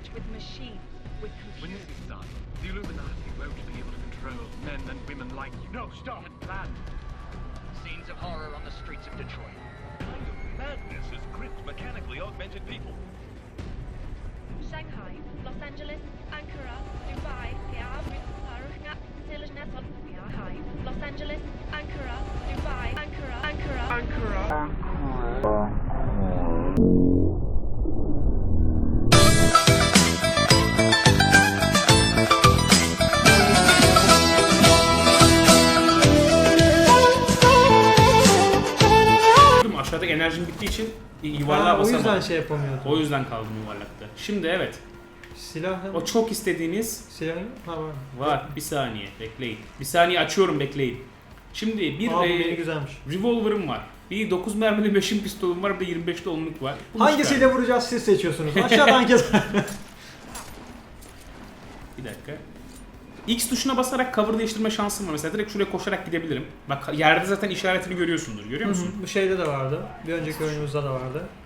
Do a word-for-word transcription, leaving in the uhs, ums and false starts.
merge with machine, with When computer. this is done, the Illuminati won't be able to control men and women like you. No, stop! And plan. Scenes of horror on the streets of Detroit. Kind of madness has gripped mechanically augmented people. Shanghai, Los Angeles, Ankara, Dubai, Beirut, Paris, Sylhet, Shanghai, Los Angeles, Ankara, Dubai, Ankara, Ankara, Ankara. Aşağıdaki enerjim bittiği için yuvarlığa Ha, o basamadım. yüzden şey yapamıyordum. O yüzden kaldım yuvarlakta. Şimdi evet. Silah O çok istediğiniz Silah ha var. var. Bir saniye bekleyin. Bir saniye açıyorum bekleyin. Şimdi bir Aa, bu e, yeni güzelmiş. revolver'ım var. Bir dokuz mermili beşin pistolum var. Bir de yirmi beşli onluk var. Bunu Hangisiyle çıkar. vuracağız siz seçiyorsunuz. Aşağıdan kes. Bir dakika. X tuşuna basarak cover değiştirme şansım var. Mesela direkt şuraya koşarak gidebilirim. Bak yerde zaten işaretini görüyorsundur. Görüyor musun? Bu şeyde de vardı. Bir önceki oyunumuzda da vardı.